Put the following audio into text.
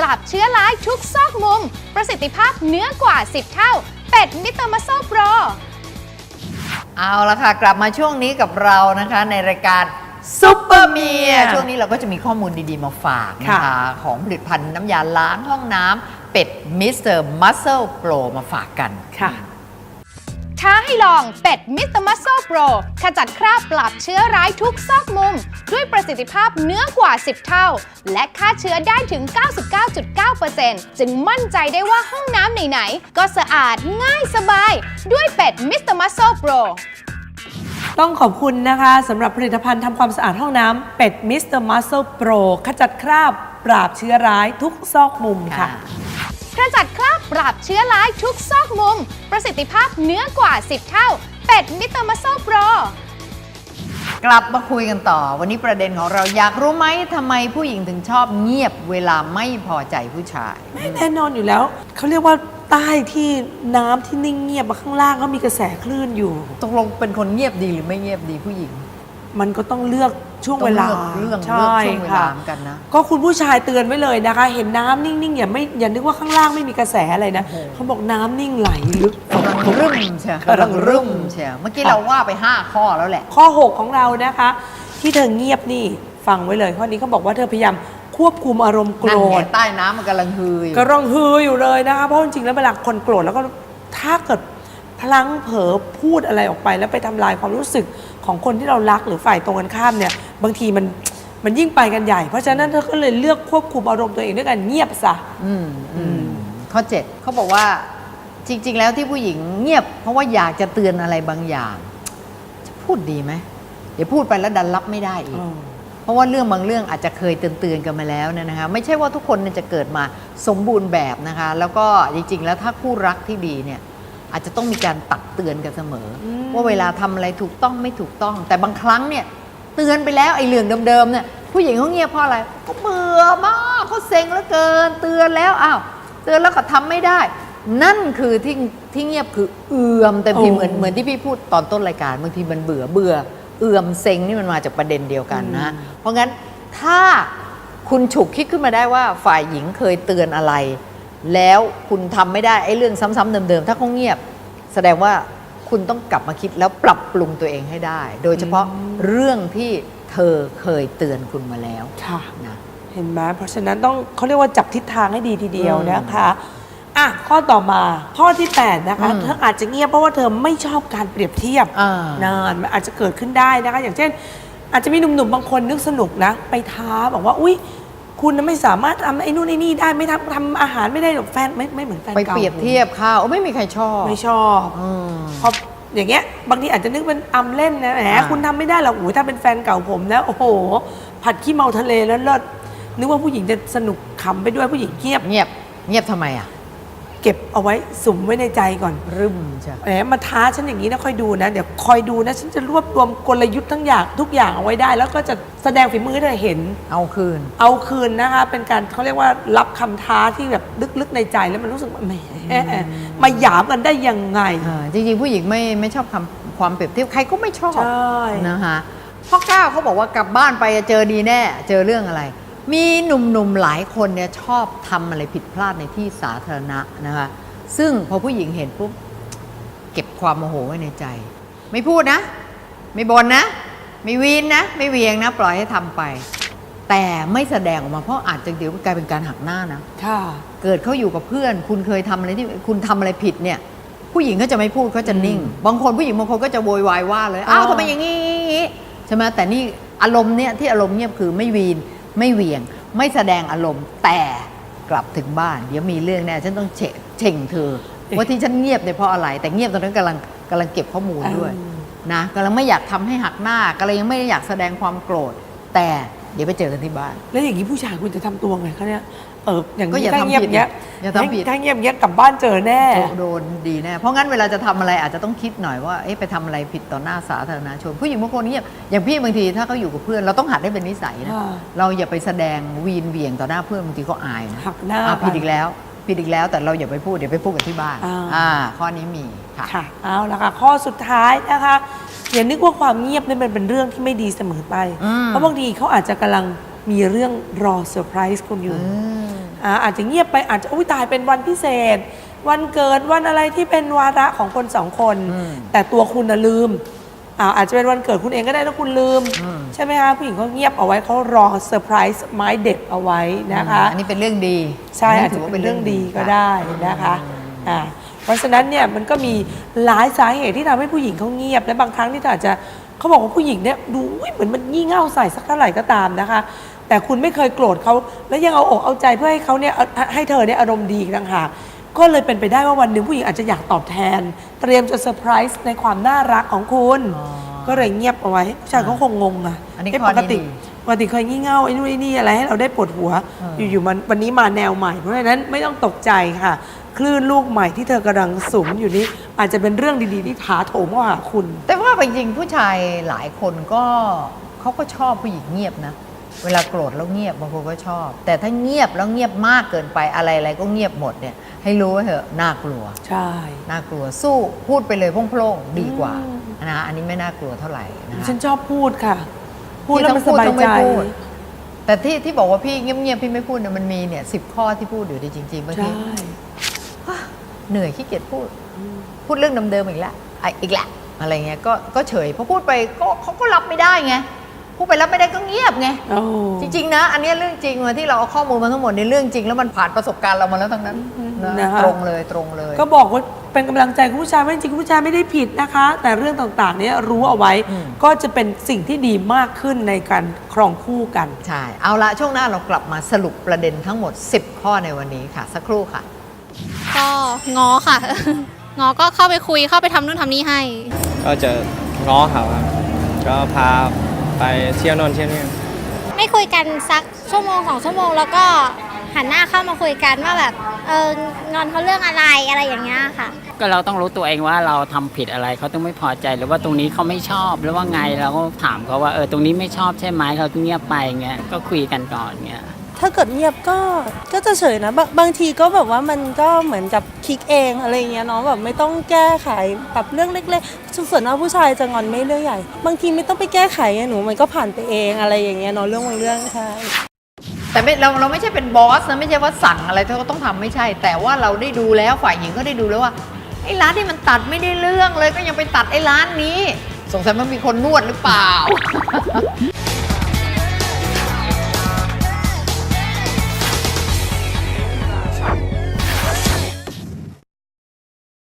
ราบเชื้อร้ายทุกซอกมุมประสิทธิภาพเหนือกว่า 10 เท่าเป็ดมิสเตอร์มัสเซิลโปรเอาละค่ะกลับมาช่วงนี้กับเรานะคะในรายการซุปเปอร์เมียช่วงนี้เราก็จะมีข้อมูลดีๆมาฝากนะคะของผลิตภัณฑ์น้ำยาล้างห้องน้ำเป็ดมิสเตอร์มัสเซิลโปรมาฝากกันค่ะท้าให้ลองเป็ดมิสเตอร์มัสเซิลโปรขจัดคราบปราบเชื้อร้ายทุกซอกมุมด้วยประสิทธิภาพเหนือกว่า 10 เท่าและฆ่าเชื้อได้ถึง 99.9% จึงมั่นใจได้ว่าห้องน้ำไหนๆก็สะอาดง่ายสบายด้วยเป็ดมิสเตอร์มัสเซิลโปรต้องขอบคุณนะคะสำหรับผลิตภัณฑ์ทำความสะอาดห้องน้ำเป็ดมิสเตอร์มัสเซิลโปรขจัดคราบปราบเชื้อร้ายทุกซอกมุมค่ะขจัดคราบปราบเชื้อร้ายทุกซอกมุมประสิทธิภาพเหนือกว่า 10 เท่าเป็ดมิสเตอร์มัสเซิลโปรกลับมาคุยกันต่อวันนี้ประเด็นของเราอยากรู้ไหมทำไมผู้หญิงถึงชอบเงียบเวลาไม่พอใจผู้ชายแน่นอนอยู่แล้วเขาเรียกว่าใต้ที่น้ำที่นิ่งเงียบข้างล่างก็มีกระแสคลื่นอยู่ตกลงเป็นคนเงียบดีหรือไม่เงียบดีผู้หญิงมันก็ต้องเลือกช่วงเวลาใช่ค่ะกันนะก็คุณผู้ชายเตือนไว้เลยนะคะเห็นน้ำนิ่งๆอย่านึกว่าข้างล่างไม่มีกระแสอะไรนะเขาบอกน้ำนิ่งไหลลึกกำลังรุ่มเชียวกำลังรุ่มเชียวเมื่อกี้เราว่าไป5ข้อแล้วแหละข้อ6ของเรานะคะที่เธอเงียบนี่ฟังไว้เลยข้อนี้เขาบอกว่าเธอพยายามควบคุมอารมณ์โกรธใต้น้ำมันกำลังฮืออยู่เลยนะคะเพราะจริงๆแล้วเวลาคนโกรธแล้วก็ถ้าเกิดพลั้งเผลอพูดอะไรออกไปแล้วไปทำลายความรู้สึกของคนที่เรารักหรือฝ่ายตรงกันข้ามเนี่ยบางทีมันยิ่งไปกันใหญ่เพราะฉะนั้นเธอก็เลยเลือกควบคุมอารมณ์ตัวเองด้วยการเงียบซะข้อ7เขาบอกว่าจริงๆแล้วที่ผู้หญิงเงียบเพราะว่าอยากจะเตือนอะไรบางอย่างจะพูดดีไหมเดี๋ยวพูดไปแล้วดันรับไม่ได้อีกเพราะว่าเรื่องบางเรื่องอาจจะเคยเตือนกันมาแล้วนะคะไม่ใช่ว่าทุกคนจะเกิดมาสมบูรณ์แบบนะคะแล้วก็จริงๆแล้วถ้าคู่รักที่ดีเนี่ยอาจจะต้องมีการตักเตือนกันเสมอว่าเวลาทำอะไรถูกต้องไม่ถูกต้องแต่บางครั้งเนี่ยเตือนไปแล้วไอ้เรื่องเดิมๆเนี่ยผู้หญิงเขาเงียบเพราะอะไรเขาเบื่อมากเขาเซ็งเหลือเกินเตือนแล้วอ้าวเตือนแล้วก็ทำไม่ได้นั่นคือที่เงียบคือเอื่อมแต่พี่เหมือนที่พี่พูดตอนต้นรายการบางทีมันเบื่อเอื่อมเซ็งนี่มันมาจากประเด็นเดียวกันนะเพราะงั้นถ้าคุณฉุกคิดขึ้นมาได้ว่าฝ่ายหญิงเคยเตือนอะไรแล้วคุณทำไม่ได้ไอ้เรื่องซ้ำๆเดิมๆถ้าเขาเงียบแสดงว่าคุณต้องกลับมาคิดแล้วปรับปรุงตัวเองให้ได้โดยเฉพาะเรื่องที่เธอเคยเตือนคุณมาแล้วค่ะนะเห็นไหมเพราะฉะนั้นต้องเขาเรียกว่าจับทิศทางให้ดีทีเดียวนะคะอ่ะข้อต่อมาข้อที่8นะคะเธออาจจะเงียบเพราะว่าเธอไม่ชอบการเปรียบเทียบนานมันอาจจะเกิดขึ้นได้นะคะอย่างเช่นอาจจะมีหนุ่มๆบางคนนึกสนุกนะไปท้าบอกว่าอุ๊ยคุณไม่สามารถทำไอ้นู่นไอ้นี่ได้ไม่ทำอาหารไม่ได้หรอกแฟนไม่เหมือนแฟนเก่าไปเปรียบเทียบข้าวไม่มีใครชอบไม่ชอบเพราะอย่างเงี้ยบางทีอาจจะนึกเป็นอำเล่นนะแหมคุณทำไม่ได้หรอกโอ้ยถ้าเป็นแฟนเก่าผมแล้วโอ้โหผัดขี้เมาทะเลแล้วเลิศนึกว่าผู้หญิงจะสนุกขำไปด้วยผู้หญิงเงียบทำไมอ่ะเก็บเอาไว้สุมไว้ในใจก่อนรึมใช่แหมมาท้าฉันอย่างนี้นะคอยดูนะเดี๋ยวคอยดูนะฉันจะรวบรวมกลยุทธ์ทุกอย่างเอาไว้ได้แล้วก็จะแสดงฝีมือให้เธอเห็นเอาคืนนะคะเป็นการเขาเรียกว่ารับคำท้าที่แบบลึกๆในใจแล้วมันรู้สึกว่าแหมมาหยามกันได้ยังไงจริงๆผู้หญิงไม่ชอบความเปรียบเทียบใครก็ไม่ชอบนะคะพ่อก้าวเขาบอกว่ากลับบ้านไปเจอดีแน่เจอเรื่องอะไรมีหนุ่มๆหลายคนเนี่ยชอบทำอะไรผิดพลาดในที่สาธารณะนะคะซึ่งพอผู้หญิงเห็นปุ๊บเก็บความโมโหไว้ในใจไม่พูดนะไม่บ่นนะไม่วีนนะไม่เวียงนะปล่อยให้ทำไปแต่ไม่แสดงออกมาเพราะอาจจะเดี๋ยวกลายเป็นการหักหน้านะเกิดเขาอยู่กับเพื่อนคุณเคยทำอะไรที่คุณทำอะไรผิดเนี่ยผู้หญิงก็จะไม่พูดเขาจะนิ่งบางคนผู้หญิงบางคนก็จะโวยวายว่าเลยอ้าวทำไมอย่างนี้ใช่ไหมแต่นี่อารมณ์เนี่ยที่อารมณ์เงียบคือไม่วีนไม่เหวี่ยงไม่แสดงอารมณ์แต่กลับถึงบ้านเดี๋ยวมีเรื่องแน่ฉันต้องเช่งเธอว่าที่ฉันเงียบเนี่ยเพราะอะไรแต่เงียบตอนนั้นกำลังเก็บข้อมูลด้วยนะกำลังไม่อยากทำให้หักหน้ากำลังยังไม่อยากแสดงความโกรธแต่เดี๋ยวไปเจอกันที่บ้านแล้วอย่างนี้ผู้ชายคุณจะทำตัวไงคะเนี่ยอย่างนี้ถ้าเงียบเงี้ยถ้าเงียบเงี้ยกลับบ้านเจอแน่โดนดีแน่เพราะงั้นเวลาจะทำอะไรอาจจะต้องคิดหน่อยว่าไปทำอะไรผิดต่อหน้าสาธารณชนผู้หญิงบางคนเงียบอย่างพี่บางทีถ้าเขาอยู่กับเพื่อนเราต้องหัดให้เป็นนิสัยนะเราอย่าไปแสดงวีนเวียงต่อหน้าเพื่อนบางทีเขาอายนะหักหน้าผิดอีกแล้วแต่เราอย่าไปพูดเดี๋ยวไปพูดกันที่บ้านข้อนี้มีค่ะเอาละค่ะข้อสุดท้ายนะคะอย่านึกว่าความเงียบนี่มันเป็นเรื่องที่ไม่ดีเสมอไปเพราะบางทีเขาอาจจะกำลังมีเรื่องรอเซอร์ไพรส์คุณอยู่อาจจะเงียบไปอาจจะตายเป็นวันพิเศษ วันเกิดวันอะไรที่เป็นวาระของคนสองคน แต่ตัวคุณน่ะลืมอาจจะเป็นวันเกิดคุณเองก็ได้แล้วคุณลืมใช่ไหมคะผู้หญิงเขาเงียบเอาไว้เขารอเซอร์ไพรส์ไม้เด็ดเอาไว้นะคะอันนี้เป็นเรื่องดีใช่อาจจะเป็นเรื่องดีก็ได้นะคะเพราะฉะนั้นเนี่ยมันก็มีหลายสาเหตุที่ทำให้ผู้หญิงเขาเงียบและบางครั้งที่อาจจะเขาบอกว่าผู้หญิงเนี่ยดูเหมือนมันงี่เง่าใส่สักเท่าไหร่ก็ตามนะคะแต่คุณไม่เคยโกรธเขาแล้วยังเอาอกเอาใจเพื่อให้เขาเนี่ยให้เธอเนี่ยอารมณ์ดีต่างหากก็เลยเป็นไปได้ว่าวันหนึ่งผู้หญิงอาจจะอยากตอบแทนเตรียมจะเซอร์ไพรส์ในความน่ารักของคุณก็เลยเงียบเอาไว้ผู้ชายเขาคงงงอ่ะปกติเคยงี่เง่าไอ้นู่นไอ้นี่อะไรให้เราได้ปวดหัวอยู่ๆมันวันนี้มาแนวใหม่เพราะฉะนั้นไม่ต้องตกใจค่ะคลื่นลูกใหม่ที่เธอกำลังสุมอยู่นี้อาจจะเป็นเรื่องดีๆที่ถาโถมเข้าหาคุณแต่ว่าจริงๆผู้ชายหลายคนก็เขาก็ชอบผู้หญิงเงียบนะเวลาโกรธแล้วเงียบบางคนก็ชอบ แต่ถ้าเงียบแล้วเงียบมากเกินไปอะไรๆก็เงียบหมดเนี่ยให้รู้ว่าเถอะน่ากลัวใช่น่ากลัวสู้พูดไปเลยโพล่งๆดีกว่านะอันนี้ไม่น่ากลัวเท่าไหร่นะฉันชอบพูดค่ะพูดแล้วมันสบายใจแต่ที่บอกว่าพี่เงียบๆพี่ไม่พูดเนี่ยมันมีเนี่ย10 ข้อที่พูดอยู่ดีจริงๆบางทีเหนื่อยขี้เกียจพูดเรื่องเดิมๆอีกแล้วอะไรเงี้ยก็เฉยพอพูดไปเขาก็รับไม่ได้ไงพูดไปรับไม่ได้ก็เงียบไงจริงๆนะอันนี้เรื่องจริงที่เราเอาข้อมูลมาทั้งหมดในเรื่องจริงแล้วมันผ่านประสบการณ์เรามาแล้วทั้งนั้นนะตรงเลยก็บอกว่าเป็นกำลังใจคุณผู้ชายว่าจริงๆคุณผู้ชายไม่ได้ผิดนะคะแต่เรื่องต่างๆนี้รู้เอาไว้ก็จะเป็นสิ่งที่ดีมากขึ้นในการครองคู่กันใช่เอาละช่วงหน้าเรากลับมาสรุปประเด็นทั้งหมด10 ข้อในวันนี้ค่ะสักครู่ค่ะก็ง้อค่ะง้อก็เข้าไปคุยเข้าไปทำนู่นทำนี่ให้ก็จะง้อเขาครับก็พาไปเที่ยวโน่นเที่ยวนี่ไม่คุยกันสักชั่วโมง2 ชั่วโมงแล้วก็หันหน้าเข้ามาคุยกันว่าแบบงอนเขาเรื่องอะไรอย่างเงี้ยค่ะก็เราต้องรู้ตัวเองว่าเราทำผิดอะไรเขาต้องไม่พอใจหรือว่าตรงนี้เขาไม่ชอบหรือว่าไงเราก็ถามเขาว่าตรงนี้ไม่ชอบใช่ไหมเขาเงียบไปเงี้ยก็คุยกันก่อนเงี้ยถ้าเกิดเงียบก็จะเฉยนะบางทีก็แบบว่ามันก็เหมือนกับคลิกเองอะไรเงี้ยเนาะแบบไม่ต้องแก้ไขปรับเรื่องเล็กๆส่วนมากผู้ชายจะงอนไม่เรื่องใหญ่บางทีไม่ต้องไปแก้ไขหนูมันก็ผ่านไปเองอะไรอย่างเงี้ยเนาะเรื่องบางเรื่องใช่แต่เราไม่ใช่เป็นบอสนะไม่ใช่ว่าสั่งอะไรเธอก็ต้องทำไม่ใช่แต่ว่าเราได้ดูแล้วฝ่ายหญิงก็ได้ดูแล้วว่าไอ้ร้านที่มันตัดไม่ได้เรื่องเลยก็ยังไปตัดไอ้ร้านนี้สงสัยมันมีคนนวดหรือเปล่า